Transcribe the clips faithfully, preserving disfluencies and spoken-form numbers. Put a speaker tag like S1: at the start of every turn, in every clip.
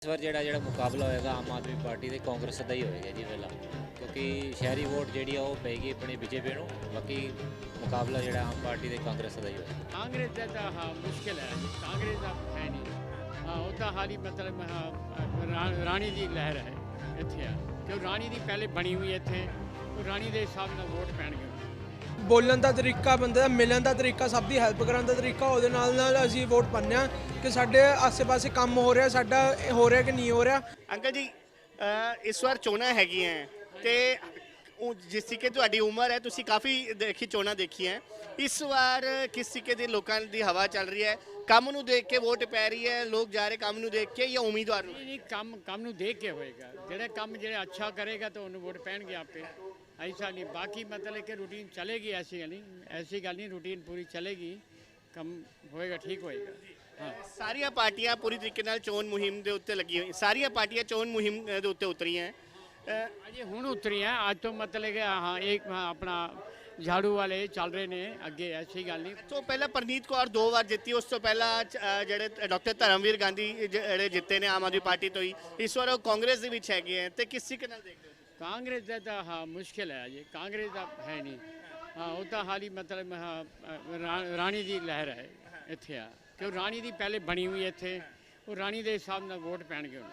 S1: इस बार ਜਿਹੜਾ ਜਿਹੜਾ ਮੁਕਾਬਲਾ ਹੋਏਗਾ ਆਮ ਆਦਮੀ ਪਾਰਟੀ ਤੇ ਕਾਂਗਰਸ ਦਾ ਹੀ ਹੋਏਗਾ ਜੀ ਪਹਿਲਾਂ ਕਿਉਂਕਿ ਸ਼ਹਿਰੀ ਵੋਟ ਜਿਹੜੀ ਆ ਉਹ ਪੈਗੀ ਆਪਣੀ ਬੀਜੇਪੀ ਨੂੰ ਬਾਕੀ ਮੁਕਾਬਲਾ ਜਿਹੜਾ ਆਮ ਪਾਰਟੀ ਤੇ ਕਾਂਗਰਸ ਦਾ ਹੀ ਹੋਏਗਾ
S2: ਕਾਂਗਰਸ ਦਾ ਤਾਂ ਹਾਂ ਮੁਸ਼ਕਿਲ ਹੈ ਕਾਂਗਰਸ ਦਾ ਹੈ ਨਹੀਂ ਹਾਂ ਉਹ ਤਾਂ ਹਾਲੀ ਮਤਲਬ ਹਾਂ, ਰਾ- ਰਾਣੀ ਦੀ ਲਹਿਰ ਹੈ ਇੱਥੇ ਆ ਕਿਉਂ ਰਾਣੀ ਦੀ ਪਹਿਲੇ ਬਣੀ ਹੋਈ ਇੱਥੇ ਉਹ ਰਾਣੀ ਦੇ ਹਿਸਾਬ ਨਾਲ ਵੋਟ ਪੈਣਗੇ
S3: ਬੋਲਣ ਦਾ ਤਰੀਕਾ ਬੰਦੇ ਦਾ ਮਿਲਣ ਦਾ ਤਰੀਕਾ ਸਭ ਦੀ ਹੈਲਪ ਕਰਨ ਦਾ ਤਰੀਕਾ ਉਹਦੇ ਨਾਲ ਨਾਲ ਅਸੀਂ ਵੋਟ ਪਾਉਂਦੇ ਹਾਂ ਕਿ ਸਾਡੇ ਆਸੇ-ਪਾਸੇ ਕੰਮ ਹੋ ਰਿਹਾ ਸਾਡਾ ਹੋ ਰਿਹਾ ਕਿ ਨਹੀਂ ਹੋ ਰਿਹਾ।
S4: ਅੰਕਲ ਜੀ ਅ, ਇਸ ਵਾਰ ਚੋਣਾਂ ਹੈਗੀਆਂ ਤੇ ਉਹ ਜਿਸ ਤਰੀਕੇ ਤੁਹਾਡੀ ਉਮਰ ਹੈ ਤੁਸੀਂ ਕਾਫੀ ਦੇਖੀ ਚੋਣਾਂ ਦੇਖੀਆਂ ਇਸ ਵਾਰ ਕਿਸ ਤਰੀਕੇ ਦੇ ਲੋਕਾਂ ਦੀ ਹਵਾ ਚੱਲ ਰਹੀ ਹੈ ਕੰਮ ਨੂੰ ਦੇਖ ਕੇ ਵੋਟ ਪੈ ਰਹੀ ਹੈ ਲੋਕ ਜਾ ਰਹੇ ਕੰਮ ਨੂੰ ਦੇਖ ਕੇ ਜਾਂ ਉਮੀਦਵਾਰ ਨੂੰ
S2: ਨਹੀਂ ਨਹੀਂ ਕੰਮ ਕੰਮ ਨੂੰ ਦੇਖ ਕੇ ਹੋਏਗਾ ਜਿਹੜਾ ਕੰਮ ਜਿਹੜਾ ਅੱਛਾ ਕਰੇਗਾ ਤਾਂ ਉਹਨੂੰ ਵੋਟ ਪੈਣਗੇ ਆਪੇ ऐसा नहीं बाकी मतलब कि रूटीन चलेगी ऐसी गल नहीं ऐसी गल नहीं रूटीन पूरी चलेगी कम होएगा ठीक होएगा हाँ
S4: ਸਾਰੀਆਂ ਪਾਰਟੀਆਂ ਪੂਰੀ ਤਰੀਕੇ ਨਾਲ ਚੋਣ ਮੁਹਿੰਮ ਦੇ ਉੱਤੇ ਲੱਗੀ ਹੋਈ ਸਾਰੀਆਂ ਪਾਰਟੀਆਂ ਚੋਣ ਮੁਹਿੰਮ ਦੇ ਉੱਤੇ ਉਤਰੀਆਂ ਅ,
S2: अजे हुण उतरी हैं अज तो मतलब कि हाँ एक हाँ, अपना झाड़ू वाले चल रहे ने अगे ऐसी गल नहीं
S4: ਤੋਂ ਪਹਿਲਾਂ ਪ੍ਰਨੀਤ ਕੌਰ ਦੋ ਵਾਰ ਜਿੱਤੀ ਉਸ ਤੋਂ ਪਹਿਲਾਂ ਅ, ਜਿਹੜੇ ਡਾਕਟਰ ਧਰਮਵੀਰ ਗਾਂਧੀ ਜਿਹੜੇ ਜਿੱਤੇ ਨੇ ਆਮ ਆਦਮੀ ਪਾਰਟੀ ਤੋਂ ਹੀ ਇਸ ਵਾਰ ਉਹ ਕਾਂਗਰਸ ਦੇ ਵਿੱਚ ਹੈਗੇ ਆ ਤੇ ਕਿਸ ਤਰੀਕੇ ਨਾਲ ਦੇਖਦੇ ਹੋ
S2: कांग्रेस का तो हाँ मुश्किल है अजे कांग्रेस का है नहीं हाँ वो तो हाली मतलब हाँ रा, राणी की लहर है इत्थे आ क्यों राणी की पहले बनी हुई इत्थे वो राणी के हिसाब ਨਾਲ वोट पैणगे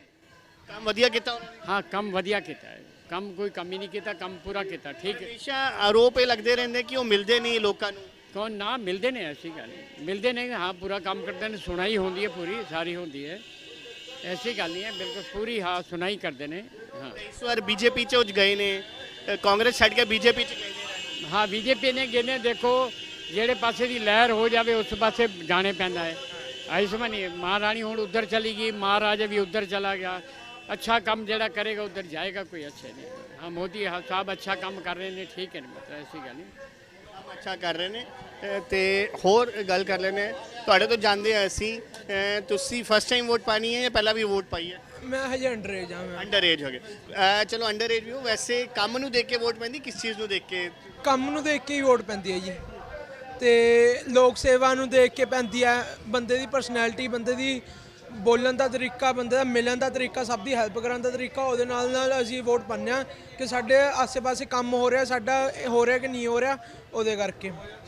S4: ਕੰਮ ਵਧੀਆ ਕੀਤਾ ਉਹਨਾਂ ਨੇ
S2: हाँ कम वधिया किया है कम कोई कमी नहीं किया कम पूरा किया ठीक है
S4: ਹਮੇਸ਼ਾ ਆਰੋਪ ਇਹ ਲੱਗਦੇ ਰਹਿੰਦੇ ਕਿ ਉਹ ਮਿਲਦੇ ਨਹੀਂ ਲੋਕਾਂ ਨੂੰ
S2: कौन ना मिलते ने ऐसी गल नहीं मिलते ने हाँ पूरा काम करते हैं सुनाई होती है पूरी सारी होती है ऐसी गल नहीं है बिल्कुल पूरी हाँ सुनाई करते हैं हाँ
S4: ਇਸ ਵਾਰ ਬੀਜੇਪੀ ਚ ਉਹ ਗਏ ਨੇ ਅ, ਕਾਂਗਰਸ ਛੱਡ ਕੇ ਬੀਜੇਪੀ ਚ ਗਏ ਨੇ
S2: हाँ बीजेपी ने गिने देखो ਜਿਹੜੇ ਪਾਸੇ ਦੀ ਲਹਿਰ ਹੋ ਜਾਵੇ ਉਸ ਪਾਸੇ ਜਾਣੇ ਪੈਂਦਾ ਹੈ ਆਈ ਸਮਝ ਨਹੀਂ ਮਹਾਰਾਣੀ ਹੁਣ ਉਧਰ ਚਲੀ ਗਈ ਮਹਾਰਾਜਾ ਵੀ ਉਧਰ ਚਲਾ ਗਿਆ अच्छा काम ਜਿਹੜਾ ਕਰੇਗਾ ਉਧਰ ਜਾਏਗਾ ਕੋਈ ਅੱਛੇ ਨਹੀਂ ਹਾਂ ਮੋਦੀ ਸਾਹਿਬ ਅੱਛਾ ਕੰਮ ਕਰ ਰਹੇ ਨੇ ਠੀਕ ਹੈ ਮਤਲਬ ਐਸੀ ਗੱਲ ਨਹੀਂ
S4: ਕੰਮ ਅੱਛਾ ਕਰ ਰਹੇ ਨੇ ਅ, ਤੇ ਹੋਰ ਗੱਲ ਕਰ ਲੈਣੇ ਤੁਹਾਡੇ ਤੋਂ ਜਾਣਦੇ ਆ ਅਸੀਂ ਅ, ਤੁਸੀਂ ਫਸਟ ਟਾਈਮ ਵੋਟ ਪਾਣੀ ਹੈ ਜਾਂ ਪਹਿਲਾਂ ਵੀ ਵੋਟ ਪਾਈ ਹੈ
S3: ਮੈਂ ਹਜੇ ਅੰਡਰ ਏਜ ਹਾਂ ਮੈਂ
S4: ਅੰਡਰ ਏਜ ਹੋ ਗਏ ਅ, ਚਲੋ ਅੰਡਰ ਏਜ ਵੀ ਹੋ ਵੈਸੇ ਕੰਮ ਨੂੰ ਦੇਖ ਕੇ ਵੋਟ ਪੈਂਦੀ ਕਿਸ ਚੀਜ਼ ਨੂੰ ਦੇਖ ਕੇ
S3: ਕੰਮ ਨੂੰ ਦੇਖ ਕੇ ਹੀ ਵੋਟ ਪੈਂਦੀ ਹੈ ਜੀ ਤੇ ਲੋਕ ਸੇਵਾ ਨੂੰ ਦੇਖ ਕੇ ਪੈਂਦੀ ਹੈ ਬੰਦੇ ਦੀ ਪਰਸਨੈਲਿਟੀ ਬੰਦੇ ਦੀ ਬੋਲਣ ਦਾ ਤਰੀਕਾ ਬੰਦੇ ਦਾ ਮਿਲਣ ਦਾ ਤਰੀਕਾ ਸਭ ਦੀ ਹੈਲਪ ਕਰਨ ਦਾ ਤਰੀਕਾ ਉਹਦੇ ਨਾਲ ਨਾਲ ਅਸੀਂ ਵੋਟ ਪਾਉਂਦੇ ਹਾਂ ਕਿ ਸਾਡੇ ਆਸੇ-ਪਾਸੇ ਕੰਮ ਹੋ ਰਿਹਾ ਸਾਡਾ ਹੋ ਰਿਹਾ ਕਿ ਨਹੀਂ ਹੋ ਰਿਹਾ ਉਹਦੇ ਕਰਕੇ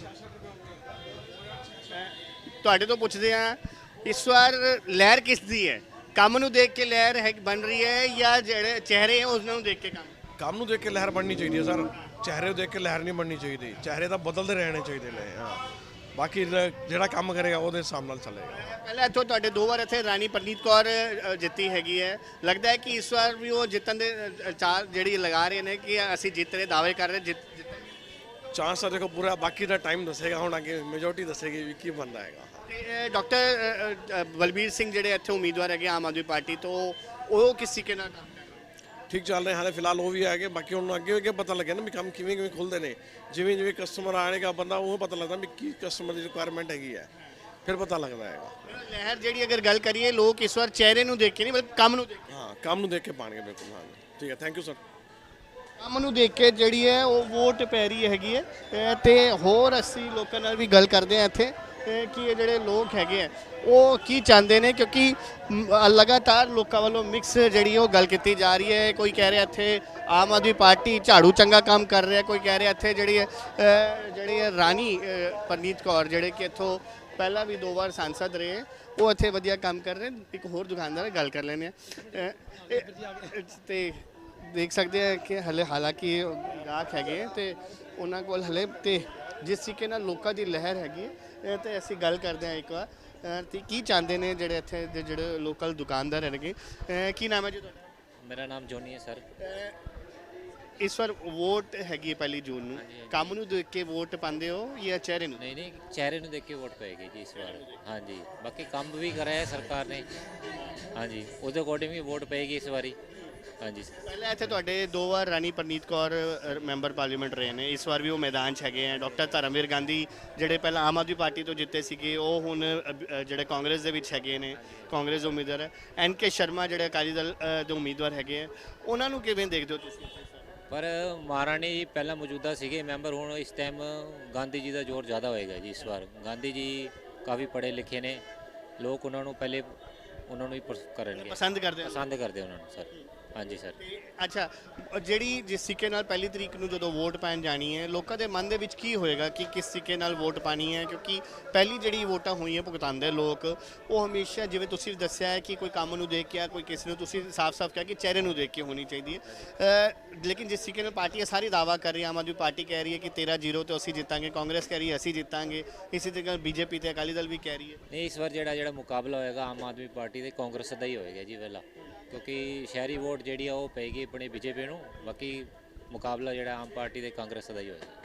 S4: ਤੁਹਾਡੇ ਤੋਂ ਪੁੱਛਦੇ ਆ ਇਸ ਵਾਰ ਲਹਿਰ ਕਿਸ ਦੀ ਹੈ ਕੰਮ ਨੂੰ ਦੇਖ ਕੇ ਲਹਿਰ ਹੈ ਬਣ ਰਹੀ ਹੈ ਜਾਂ ਜਿਹੜੇ ਚਿਹਰੇ ਹੈ ਉਹਨਾਂ ਨੂੰ ਦੇਖ ਕੇ ਕੰਮ
S5: ਕੰਮ ਨੂੰ ਦੇਖ ਕੇ ਲਹਿਰ ਬਣਨੀ ਚਾਹੀਦੀ ਹੈ ਸਰ ਚਿਹਰੇ ਨੂੰ ਦੇਖ ਕੇ ਲਹਿਰ ਨਹੀਂ ਬਣਨੀ ਚਾਹੀਦੀ ਚਿਹਰੇ ਤਾਂ ਬਦਲਦੇ ਰਹਿਣੇ ਚਾਹੀਦੇ ਨੇ ਹਾਂ ਬਾਕੀ ਲ- ਜਿਹੜਾ ਕੰਮ ਕਰੇਗਾ ਉਹਦੇ ਹਿਸਾਬ ਨਾਲ ਚੱਲੇਗਾ
S4: ਪਹਿਲਾਂ ਇੱਥੋਂ ਤੁਹਾਡੇ ਦੋ ਵਾਰ ਇੱਥੇ ਰਾਣੀ ਪ੍ਰਨੀਤ ਕੌਰ ਅ, ਜਿੱਤੀ ਹੈਗੀ ਹੈ ਲੱਗਦਾ ਹੈ ਕਿ ਇਸ ਵਾਰ ਵੀ ਉਹ ਜਿੱਤਣ ਦੇ ਅ, ਚਾਰ ਜਿਹੜੀ ਲਗਾ ਰਹੇ ਨੇ ਕਿ ਅਸੀਂ ਜਿੱਤ ਰਹੇ ਦਾਅਵੇ ਕਰ ਰਹੇ ਜਿੱਤ ਜਿੱਤ-
S5: ਚਾਂਸ ਤਾਂ ਦੇਖੋ ਪੂਰਾ ਬਾਕੀ ਦਾ ਟਾਈਮ ਦੱਸੇਗਾ ਹੁਣ ਅੱਗੇ ਮੈਜੋਰਟੀ ਦੱਸੇਗੀ ਵੀ ਕੀ ਬਣਦਾ ਹੈਗਾ
S4: ਤੇ ਡਾਕਟਰ ਅ, ਅ, ਬਲਬੀਰ ਸਿੰਘ ਜਿਹੜੇ ਇੱਥੇ ਉਮੀਦਵਾਰ ਹੈਗੇ ਆਮ ਆਦਮੀ ਪਾਰਟੀ ਤੋਂ ਉਹ ਕਿਸ ਤਰੀਕੇ ਨਾਲ ਕੰਮ ਕਰ ਰਹੇ
S5: ਠੀਕ ਚੱਲ ਰਿਹਾ ਹਾਲੇ ਫਿਲਹਾਲ ਉਹ ਵੀ ਹੈਗੇ ਬਾਕੀ ਹੁਣ ਅੱਗੇ ਅੱਗੇ ਪਤਾ ਲੱਗਿਆ ਨਾ ਵੀ ਕੰਮ ਕਿਵੇਂ ਕਿਵੇਂ ਖੁੱਲਦੇ ਨੇ ਜਿਵੇਂ ਜਿਵੇਂ ਕਸਟਮਰ ਆਣੇਗਾ ਬੰਦਾ ਉਹ ਪਤਾ ਲੱਗਦਾ ਵੀ ਕੀ ਕਸਟਮਰ ਦੀ ਰਿਕੁਆਇਰਮੈਂਟ ਹੈਗੀ ਹੈ ਫਿਰ ਪਤਾ ਲੱਗਦਾ ਹੈਗਾ
S4: ਲਹਿਰ ਜਿਹੜੀ ਅਗਰ ਗੱਲ ਕਰੀਏ ਲੋਕ ਇਸ ਵਾਰ ਚਿਹਰੇ ਨੂੰ ਦੇਖ ਕੇ ਨਹੀਂ ਬਲਕਿ ਕੰਮ ਨੂੰ ਦੇਖ ਕੇ
S5: ਹਾਂ ਕੰਮ ਨੂੰ ਦੇਖ ਕੇ ਪਾਣਗੇ ਬਿਲਕੁਲ ਹਾਂ ਠੀਕ ਹੈ ਥੈਂਕ ਯੂ ਸਰ
S4: ਕੰਮ ਨੂੰ ਦੇਖ ਕੇ ਜਿਹੜੀ ਹੈ ਉਹ ਵੋਟ ਪੈ ਰਹੀ ਹੈਗੀ ਹੈ ਅ, ਤੇ ਹੋਰ ਅਸੀਂ ਲੋਕਾਂ ਨਾਲ ਵੀ ਗੱਲ ਕਰਦੇ ਹਾਂ ਇੱਥੇ ਅ, ਕਿ ਇਹ ਜਿਹੜੇ ਲੋਕ ਹੈਗੇ ਆ ਉਹ ਕੀ ਚਾਹੁੰਦੇ ਨੇ ਕਿਉਂਕਿ ਮ, ਲਗਾਤਾਰ ਲੋਕਾਂ ਵੱਲੋਂ ਮਿਕਸ ਜਿਹੜੀ ਉਹ ਗੱਲ ਕੀਤੀ ਜਾ ਰਹੀ ਹੈ ਕੋਈ ਕਹਿ ਰਿਹਾ ਇੱਥੇ ਆਮ ਆਦਮੀ ਪਾਰਟੀ ਝਾੜੂ ਚੰਗਾ ਕੰਮ ਕਰ ਰਿਹਾ ਕੋਈ ਕਹਿ ਰਿਹਾ ਇੱਥੇ ਜਿਹੜੀ ਹੈ ਅ, ਜਿਹੜੀ ਹੈ ਰਾਣੀ ਅ, ਪ੍ਰਨੀਤ ਕੌਰ ਜਿਹੜੇ ਕਿ ਇੱਥੋਂ ਪਹਿਲਾਂ ਵੀ ਦੋ ਵਾਰ ਸਾਂਸਦ ਰਹੇ ਉਹ ਇੱਥੇ ਵਧੀਆ ਕੰਮ ਕਰ ਰਹੇ ਇੱਕ ਹੋਰ ਦੁਕਾਨਦਾਰ ਨਾਲ ਗੱਲ ਕਰ ਲੈਂਦੇ ਆ ਤੇ ਦੇਖ ਸਕਦੇ ਆ ਕਿ ਹਲੇ ਹਾਲਾਂਕਿ ਗਾਹਕ ਹੈਗੇ ਤੇ ਉਹਨਾਂ ਕੋਲ ਹਲੇ ਤੇ ਜਿਸ ਤਰੀਕੇ ਨਾਲ ਲੋਕਾਂ ਦੀ ਲਹਿਰ ਹੈਗੀ ਹੈ ਤੇ ਅਸੀਂ ਗੱਲ ਕਰਦੇ ਹਾਂ ਇੱਕ ਵਾਰ ਅ, ਤੇ ਕੀ ਚਾਹੁੰਦੇ ਨੇ ਜਿਹੜੇ ਇੱਥੇ ਦੇ ਜਿਹੜੇ ਲੋਕਲ ਦੁਕਾਨਦਾਰ ਹੈਗੇ ਅ, ਕੀ ਨਾਮ ਹੈ ਜੀ ਤੁਹਾਡਾ
S1: ਮੇਰਾ ਨਾਮ ਜੋਨੀ ਹੈ ਸਰ
S4: ਅ, ਇਸ ਵਾਰ ਵੋਟ ਹੈਗੀ ਹੈ ਪਹਿਲੀ ਜੂਨ ਨੂੰ ਕੰਮ ਨੂੰ ਦੇਖ ਕੇ ਵੋਟ ਪਾਉਂਦੇ ਹੋ ਜਾਂ ਚਿਹਰੇ ਨੂੰ
S1: ਨਹੀਂ ਨਹੀਂ ਚਿਹਰੇ ਨੂੰ ਦੇਖ ਕੇ ਵੋਟ ਪਏਗੀ ਜੀ ਇਸ ਵਾਰ ਹਾਂਜੀ ਬਾਕੀ ਕੰਮ ਵੀ ਕਰਾਇਆ ਹੈ ਸਰਕਾਰ ਨੇ ਹਾਂਜੀ ਉਹਦੇ ਅਕੋਰਡਿੰਗ ਵੀ ਵੋਟ ਪਏਗੀ ਇਸ ਵਾਰੀ ਹਾਂਜੀ
S4: ਪਹਿਲਾਂ ਇੱਥੇ ਤੁਹਾਡੇ ਦੋ ਵਾਰ ਰਾਣੀ ਪ੍ਰਨੀਤ ਕੌਰ ਅ, ਮੈਂਬਰ ਪਾਰਲੀਮੈਂਟ ਰਹੇ ਨੇ ਇਸ ਵਾਰ ਵੀ ਉਹ ਮੈਦਾਨ 'ਚ ਹੈਗੇ ਆ ਡਾਕਟਰ ਧਰਮਵੀਰ ਗਾਂਧੀ ਜਿਹੜੇ ਪਹਿਲਾਂ ਆਮ ਆਦਮੀ ਪਾਰਟੀ ਤੋਂ ਜਿੱਤੇ ਸੀਗੇ ਉਹ ਹੁਣ ਅ, ਅ, ਜਿਹੜੇ ਕਾਂਗਰਸ ਦੇ ਵਿੱਚ ਹੈਗੇ ਨੇ ਕਾਂਗਰਸ ਦੇ ਉਮੀਦਵਾਰ ਹੈ ਐਨ ਕੇ ਸ਼ਰਮਾ ਜਿਹੜੇ ਅਕਾਲੀ ਦਲ ਅ, ਦੇ ਉਮੀਦਵਾਰ ਹੈਗੇ ਆ ਉਹਨਾਂ ਨੂੰ ਕਿਵੇਂ ਦੇਖਦੇ ਹੋ ਤੁਸੀਂ
S1: ਪਰ ਮਹਾਰਾਣੀ ਜੀ ਪਹਿਲਾਂ ਮੌਜੂਦਾ ਸੀਗੇ ਮੈਂਬਰ ਹੁਣ ਇਸ ਟਾਈਮ ਗਾਂਧੀ ਜੀ ਦਾ ਜ਼ੋਰ ਜ਼ਿਆਦਾ ਹੋਏਗਾ ਜੀ ਇਸ ਵਾਰ ਗਾਂਧੀ ਜੀ ਕਾਫੀ ਪੜ੍ਹੇ ਲਿਖੇ ਨੇ ਲੋਕ ਉਹਨਾਂ ਨੂੰ ਪਹਿਲੇ ਉਹਨਾਂ ਨੂੰ ਹੀ ਪਸ- ਕਰਨਗੇ,
S4: ਪਸੰਦ ਕਰਦੇ ਹੋ
S1: ਪਸੰਦ ਕਰਦੇ ਉਹਨਾਂ ਨੂੰ ਸਰ। ਹਾਂਜੀ ਸਰ।
S4: ਤੇ ਅੱਛਾ, ਜਿਹੜੀ ਜਿਸ ਤਰੀਕੇ ਨਾਲ ਪਹਿਲੀ ਤਰੀਕ ਨੂੰ ਜਦੋਂ ਵੋਟ ਪੈਣ ਜਾਣੀ ਹੈ, ਲੋਕਾਂ ਦੇ ਮਨ ਦੇ ਵਿੱਚ ਕੀ ਹੋਏਗਾ ਕਿ ਕਿਸ ਤਰੀਕੇ ਨਾਲ ਵੋਟ ਪਾਣੀ ਹੈ? ਕਿਉਂਕਿ ਪਹਿਲੀ ਜਿਹੜੀ ਵੋਟਾਂ ਹੋਈਆਂ ਭੁਗਤਾਉਂਦੇ ਲੋਕ, ਉਹ ਹਮੇਸ਼ਾ ਜਿਵੇਂ ਤੁਸੀਂ ਦੱਸਿਆ ਹੈ ਕਿ ਕੋਈ ਕੰਮ ਨੂੰ ਦੇਖ ਕੇ ਆ, ਕੋਈ ਕਿਸੇ ਨੂੰ, ਤੁਸੀਂ ਸਾਫ਼-ਸਾਫ਼ ਕਿਹਾ ਕਿ ਚਿਹਰੇ ਨੂੰ ਦੇਖ ਕੇ ਹੋਣੀ ਚਾਹੀਦੀ ਹੈ। ਅ, ਲੇਕਿਨ ਜਿਸ ਤਰੀਕੇ ਨਾਲ ਪਾਰਟੀਆਂ ਸਾਰੀ ਦਾਅਵਾ ਕਰ ਰਹੀ, ਆਮ ਆਦਮੀ ਪਾਰਟੀ ਕਹਿ ਰਹੀ ਹੈ ਕਿ ਤੇਰਾਂ ਜ਼ੀਰੋ ਤੇ ਅਸੀਂ ਜਿੱਤਾਂਗੇ, ਕਾਂਗਰਸ ਕਹਿ ਰਹੀ ਹੈ ਅਸੀਂ ਜਿੱਤਾਂਗੇ, ਇਸੇ ਤਰੀਕੇ ਨਾਲ ਬੀਜੇਪੀ ਤੇ ਅਕਾਲੀ ਦਲ ਵੀ ਕਹਿ ਰਹੀ ਹੈ।
S1: ਨਹੀਂ, ਇਸ ਵਾਰ ਜਿਹੜਾ ਜਿਹੜਾ ਮੁਕਾਬਲਾ ਹੋਏਗਾ ਆਮ ਆਦਮੀ ਪਾਰਟੀ ਤੇ ਕਾਂਗਰਸ ਦਾ ਹੀ ਹੋਏਗਾ ਜੀ ਪਹਿਲਾਂ, ਕਿਉਂਕਿ ਸ਼ਹਿਰੀ ਵੋਟ ਜਿਹੜੀ ਆ ਉਹ ਪਏਗੀ ਆਪਣੇ ਬੀਜੇਪੀ ਨੂੰ। ਬਾਕੀ ਮੁਕਾਬਲਾ ਜਿਹੜਾ ਆਮ ਪਾਰਟੀ ਤੇ ਕਾਂਗਰਸ ਦਾ ਹੀ ਹੋਏਗਾ।